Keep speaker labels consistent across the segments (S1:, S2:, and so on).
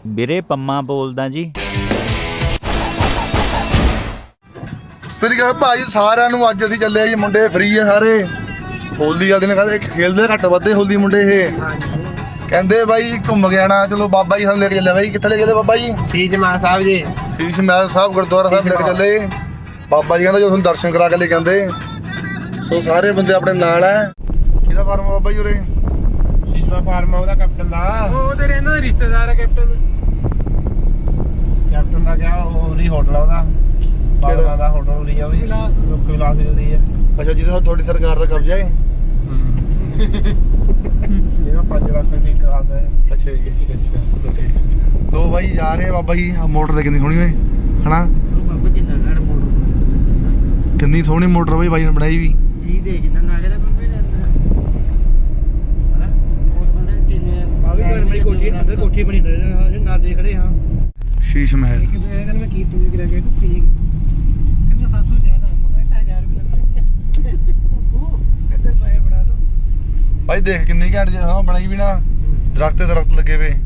S1: ਵੀਰੇ ਪੰਮਾ ਬੋਲਦਾ ਜੀ।
S2: ਸਤਿ ਸ਼੍ਰੀ ਅਕਾਲ ਭਾਈ ਸਾਰਿਆਂ ਨੂੰ। ਅੱਜ ਅਸੀਂ ਚੱਲੇ ਜੀ, ਮੁੰਡੇ ਫ੍ਰੀ ਆ ਸਾਰੇ। ਹੋਲੀ ਵਾਲੇ ਦਿਨ ਕਹਿੰਦੇ ਖੇਲਦੇ ਘੱਟ ਵੱਧੇ ਹੋਲੀ ਮੁੰਡੇ ਇਹ ਕਹਿੰਦੇ ਬਾਈ ਘੁੰਮ ਕੇ ਆਣਾ। ਚਲੋ ਬਾਬਾ ਜੀ ਸਾਨੂੰ ਲੈ ਕੇ ਚੱਲੇ। ਬਾਈ ਕਿੱਥੇ ਲੈ ਕੇ ਚੱਲੇ ਬਾਬਾ ਜੀ?
S3: ਸ਼ੀਸ਼ ਮਹਿਲ ਸਾਹਿਬ ਜੀ।
S2: ਸ਼ੀਸ਼ ਮਹਿਲ ਸਾਹਿਬ ਗੁਰਦੁਆਰਾ ਸਾਹਿਬ ਲੈ ਕੇ ਚੱਲੇ। ਬਾਬਾ ਜੀ ਕਹਿੰਦਾ ਜੋ ਤੁਹਾਨੂੰ ਦਰਸ਼ਨ ਕਰਾ ਕੇ ਲੈ ਕੇ ਆਂਦੇ। ਸੋ ਸਾਰੇ ਬੰਦੇ ਆਪਣੇ ਨਾਲ ਹੈ। ਕਿਹਦਾ ਫਾਰਮ ਬਾਬਾ ਜੀ ਉਰੇ?
S3: ਸ਼ੀਸ਼ ਮਹਿਲ ਫਾਰਮ ਉਹਦਾ ਕੈਪਟਨ ਦਾ।
S4: ਉਹ ਤੇ ਰਹਿੰਦਾ ਰਿਸ਼ਤੇਦਾਰ ਹੈ ਕੈਪਟਨ
S3: ਦਾ ਕਿਹਾ ਉਹ ਨਹੀਂ ਹੋਟਲ ਉਹਦਾ ਬਾਬਾ ਦਾ ਹੋਟਲ ਨਹੀਂ ਆ ਉਹ ਲੋਕ ਵਿਲਾਸ ਦੀ ਹੈ।
S2: ਅੱਛਾ ਜਿਹਦੇ ਤੁਹਾਡੀ ਸਰਕਾਰ ਦਾ ਕਬਜ਼ਾ ਹੈ।
S3: ਜਿਹੜਾ 5 ਲੱਖ ਦੀ ਕਰਾਦਾ ਹੈ।
S2: ਅੱਛਾ ਜੀ ਅੱਛਾ ਠੀਕ। ਲੋ ਬਾਈ ਜਾ ਰਹੇ ਬਾਬਾ ਜੀ। ਮੋਟਰ ਤੇ ਕਿੰਨੀ ਸੋਹਣੀ ਓਏ ਹਨਾ।
S4: ਬਾਬਾ ਕਿੰਨਾ ਘੜ ਮੋਟਰ
S2: ਕਿੰਨੀ ਸੋਹਣੀ ਮੋਟਰ ਬਾਈ ਨੇ ਬਣਾਈ ਵੀ।
S4: ਜੀ ਦੇ ਕਿੰਨਾ ਨਾਗੇ ਦਾ ਬੰਦੇ ਨੇ ਹਨਾ। ਉਹ ਬੰਦੇ ਕਿੰਨੇ ਆ ਵੀ ਘਰ ਮੇਰੀ ਕੋਠੀ ਅੰਦਰ ਕੋਠੀ ਬਣੀ ਰਹੇ ਨਾਲ ਦੇਖ ਰਹੇ ਹਾਂ।
S2: ਸ਼ੀਸ਼ ਮਹਿਲ
S4: ਇਹ ਗੱਲ ਮੈਂ ਕੀਤੀ ਵੀ ਕਰਿਆ ਕਿ ਕਹਿੰਦਾ 700 ਜ਼ਿਆਦਾ ਮਗਾ 1000 ਵੀ ਲੱਗਦਾ ਉਹ ਇੱਧਰ ਪੈਸੇ ਬਣਾ ਦੋ
S2: ਭਾਈ ਦੇਖ ਕਿੰਨੀ ਘੈਂਟ ਜੀ ਹਾਂ ਬਣਾਈ ਵੀ ਨਾ। ਦਰਖਤ ਤੇ ਦਰਖਤ ਲੱਗੇ ਵੇ।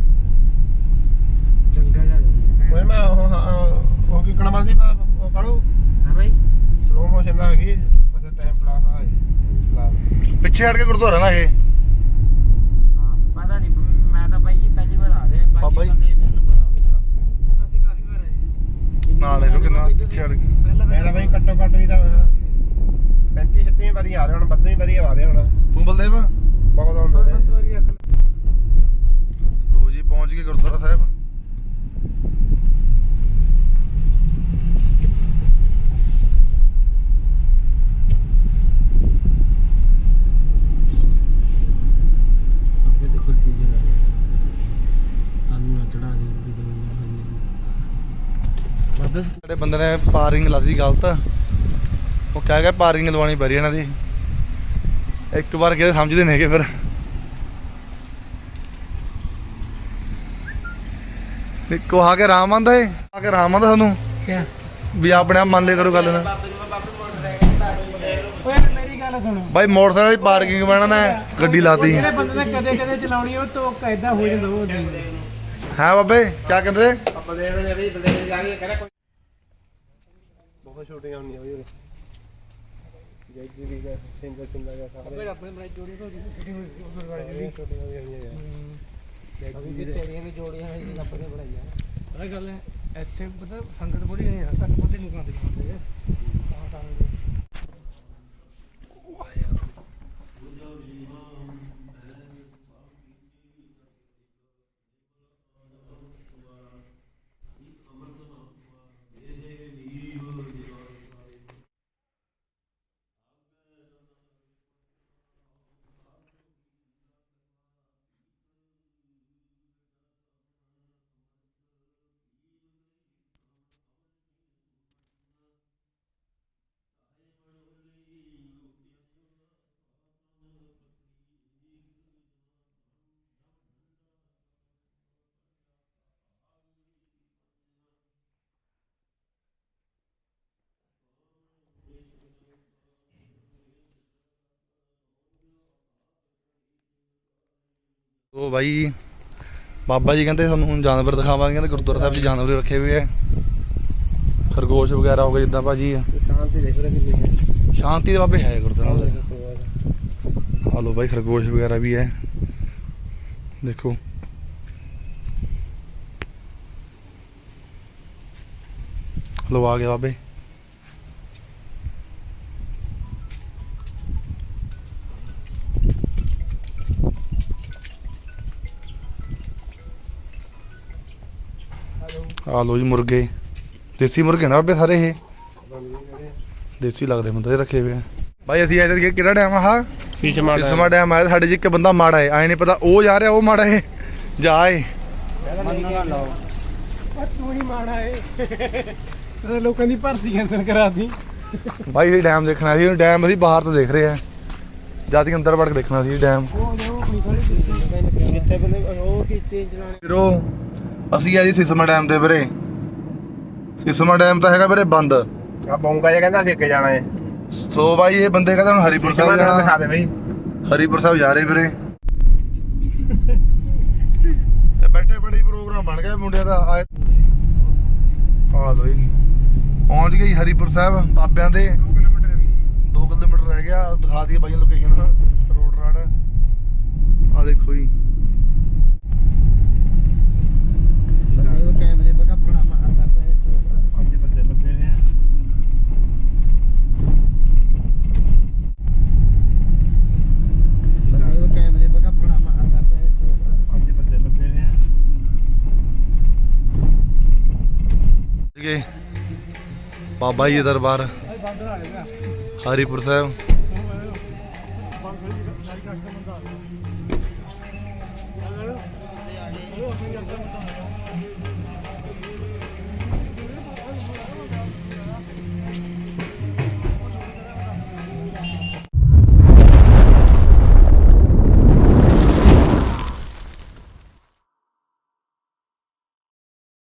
S4: ਚੰਗਾ ਜਾ
S3: ਓਏ ਮੈਂ ਉਹ ਕੀ ਕਣਾ ਬੰਦੀ ਉਹ ਕਾੜੂ
S4: ਹਾਂ ਭਾਈ
S3: ਸਲੋ ਮੋਸ਼ਨ ਦਾ ਹੈਗੀ ਬਸ ਟਾਈਮ ਪਲਾਸ ਆ ਸਲਾਮ
S2: ਪਿੱਛੇ ਹਟ ਕੇ ਗੁਰਦੁਆਰਾ ਨਾ ਇਹ।
S4: ਹਾਂ ਪਤਾ ਨਹੀਂ ਮੈਂ ਤਾਂ ਭਾਈ ਜੀ ਪਹਿਲੀ ਵਾਰ ਆ ਰਿਹਾ
S2: ਬਾਬਾ ਜੀ।
S4: ਮੈਨੂੰ ਪਤਾ ਹੋਊਗਾ ਅਸੀਂ ਕਾਫੀ ਵਾਰ ਆਏ
S2: ਨਾ ਦੇਖੋ ਕਿੰਨਾ ਪਿੱਛੇ ਹਟ ਕੇ।
S3: ਮੇਰਾ ਭਾਈ ਘੱਟੋ ਘੱਟ ਵੀ ਤਾਂ 35 36 ਵਾਰੀ ਆ ਰਹੇ ਹੁਣ 32 ਵਾਰੀ ਆ ਰਹੇ ਹੁਣ
S2: ਤੂੰ ਬਲਦੇਵ
S3: ਬਹੁਤ ਆਉਂਦੇ ਨੇ।
S4: 7 ਵਾਰੀ ਅੱਖ
S2: ਲੋ ਜੀ ਪਹੁੰਚ ਗਏ ਗੁਰਦੁਆਰਾ ਸਾਹਿਬ। ਸਾਡੇ ਬੰਦੇ ਨੇ ਪਾਰਿੰਗ ਲਾਦੀ ਗਲਤ। ਉਹ ਕਹਿ ਗਿਆ ਪਾਰਿੰਗ ਲਵਾਉਣੀ ਪੈ ਰਹੀ ਇਹਨਾਂ ਦੀ। ਇੱਕ ਵਾਰ ਕਿਤੇ ਸਮਝਦੇ ਨੇਗੇ ਫਿਰ। ਇੱਕੋ ਆ ਕੇ ਆਰਾਮ ਆਂਦਾ ਏ। ਆ ਕੇ ਆਰਾਮ ਆਂਦਾ ਸਾਨੂੰ
S4: ਕਿਆ
S2: ਵੀ ਆਪਣੇ ਆਪ ਮੰਨ ਲਿਆ ਕਰੋ ਗੱਲ ਨਾ।
S4: ਓਏ ਮੇਰੀ ਗੱਲ ਸੁਣੋ
S2: ਬਾਈ ਮੋਟਰਸਾਈਕਲ ਵਾਲੀ ਪਾਰਕਿੰਗ ਬਣਾ ਨਾ ਗੱਡੀ ਲਾਤੀ
S4: ਜਿਹੜੇ ਬੰਦੇ ਨੇ ਕਦੇ ਕਦੇ ਚਲਾਉਣੀ ਉਹ ਤੋਂ ਕਾਇਦਾ ਹੋ ਜਾਂਦਾ ਉਹ
S2: ਹੈ ਬਾਬੇ ਕਿਆ ਕਹਿੰਦੇ?
S3: ਆਪਾਂ ਦੇ ਰਹੇ ਵੀ ਬਲੇਡ ਜਾ ਕੇ ਕਹਿੰਦਾ ਬਹੁਤ ਛੋਟੀਆਂ ਹੁੰਦੀਆਂ ਵੀ ਜੈ ਜੀ ਵੀ ਦਾ ਸਿੰਗਲ ਸਿੰਗਲ ਦਾ ਸਾਰੇ
S4: ਆਪਣੇ ਬਣਾਈ ਜੋੜੀ ਤੋਂ ਛੋਟੀ ਹੋਈ
S3: ਛੋਟੀਆਂ ਵੀ ਹੋਈਆਂ ਯਾਰ
S4: ਅਭੀ ਵੀ ਤੇਰੀਆਂ ਵੀ ਜੋੜੀਆਂ ਹੈ ਜੀ ਆਪਣੇ ਬਣਾਈਆਂ। ਇਹ ਗੱਲ ਹੈ ਇੱਥੇ ਪਤਾ ਸੰਗਤ ਬੜੀ ਨਹੀਂ ਆ ਘੱਟ ਬੰਦੇ ਨੂੰ ਕਾਂਦੇ ਹੁੰਦੇ ਤਾਂ
S2: ਉਹ ਬਾਈ ਬਾਬਾ ਜੀ ਕਹਿੰਦੇ ਤੁਹਾਨੂੰ ਹੁਣ ਜਾਨਵਰ ਦਿਖਾਵਾਂਗੇ। ਕਹਿੰਦੇ ਗੁਰਦੁਆਰਾ ਸਾਹਿਬ 'ਚ ਜਾਨਵਰ ਰੱਖੇ ਹੋਏ ਆ। ਖਰਗੋਸ਼ ਵਗੈਰਾ ਹੋ ਗਏ ਜਿੱਦਾਂ ਭਾਜੀ।
S3: ਸ਼ਾਂਤੀ ਦੇਖ ਰਹੇ ਕਿੰਨੀ
S2: ਸ਼ਾਂਤੀ ਦੇ ਬਾਬੇ ਹੈ ਗੁਰਦੁਆਰਾ ਸਾਹਿਬ। ਆ ਲੋ ਬਾਈ ਖਰਗੋਸ਼ ਵਗੈਰਾ ਵੀ ਹੈ ਦੇਖੋ। ਲੋ ਆ ਗਏ ਬਾਬੇ। ਆ ਲੋ ਜੀ ਮੁਰਗੇ। ਦੇਸੀ ਮੁਰਗੇ ਨਾ ਬਾਬੇ ਸਾਰੇ ਇਹ ਦੇਸੀ ਲੱਗਦੇ ਬੰਦੇ ਰੱਖੇ ਹੋਏ ਆ। ਭਾਈ ਅਸੀਂ ਆਏ ਤੇ ਕਿਹੜਾ ਡੈਮ ਆ? ਕਿਸਮਾ ਡੈਮ ਆਇਆ। ਸਾਡੇ 'ਚ ਇੱਕ ਬੰਦਾ ਮਾੜਾ ਹੈ ਆਏ ਨਹੀਂ ਪਤਾ ਉਹ ਜਾ ਰਿਹਾ ਉਹ ਮਾੜਾ ਹੈ ਜਾ ਏ।
S4: ਤੂੰ ਹੀ ਮਾੜਾ ਏ ਲੋਕਾਂ ਦੀ ਭਰਤੀ ਕੈਂਸਲ ਕਰਾਤੀ।
S2: ਭਾਈ ਇਹ ਡੈਮ ਦੇਖਣਾ ਸੀ। ਡੈਮ ਅਸੀਂ ਬਾਹਰ ਤੋਂ ਦੇਖ ਰਹੇ ਆ ਜਦ ਕਿ ਅੰਦਰ ਵੜ ਕੇ ਦੇਖਣਾ ਸੀ ਡੈਮ।
S4: ਜਿੱਥੇ ਬੰਦੇ ਉਹ ਕਿਸ਼ਤੀ ਚਲਾਣੇ
S2: ਵੀਰੋ ਅਸੀਂ ਆ ਜੀ ਸਿਸਮਾ ਡੈਮ ਤੇ ਵੀਰੇ। ਸਿਸਮਾ ਡੈਮ ਤਾਂ ਹੈਗਾ ਵੀਰੇ ਬੰਦ।
S3: ਆ ਬੌਂਗਾ ਜਿਹਾ ਕਹਿੰਦਾ ਅਸੀਂ ਅੱਗੇ ਜਾਣਾ ਹੈ।
S2: ਸੋ ਬਾਈ ਇਹ ਬੰਦੇ ਕਹਿੰਦੇ ਹੁਣ ਹਰੀਪੁਰ ਸਾਹਿਬ
S3: ਦਿਖਾ
S2: ਜਾਣਾ।
S3: ਦੇ ਬਈ
S2: ਹਰੀਪੁਰ ਸਾਹਿਬ ਜਾ ਰਹੇ ਵੀਰੇ। ਬੈਠੇ ਬੜੀ ਪ੍ਰੋਗਰਾਮ ਪ੍ਰੋਗਰਾਮ ਬਣ ਗਿਆ ਮੁੰਡਿਆਂ ਦਾ ਆ ਲੋ ਜੀ ਪਹੁੰਚ ਗਈ ਹਰੀਪੁਰ ਸਾਹਿਬ ਬਾਬਿਆਂ ਦੇ
S3: 2 ਕਿਲੋਮੀਟਰ ਹੈ ਵੀ
S2: 2 ਕਿਲੋਮੀਟਰ ਰਹਿ ਗਿਆ ਦਿਖਾ ਦਈਏ ਬਾਈਆਂ ਲੋਕੇਸ਼ਨ ਰੋਡ ਰਾਡ ਆ ਦੇਖੋ ਜੀ
S4: ਬੰਦੇ ਉਹ ਕੈਮਰੇ ਪਾ ਕੱਪੜਾ ਮਾਰਦਾ ਪਏ
S3: 5 ਬੰਦੇ ਲੱਗੇ ਹੋਏ ਆ
S4: ਬੰਦੇ ਉਹ ਕੈਮਰੇ ਪਾ ਕੱਪੜਾ ਮਾਰਦਾ ਪਏ
S3: 5 ਬੰਦੇ ਲੱਗੇ ਹੋਏ ਆ
S2: ਬਾਬਾ ਜੀ ਦੇ ਦਰਬਾਰ ਹਰੀਪੁਰ ਸਾਹਿਬ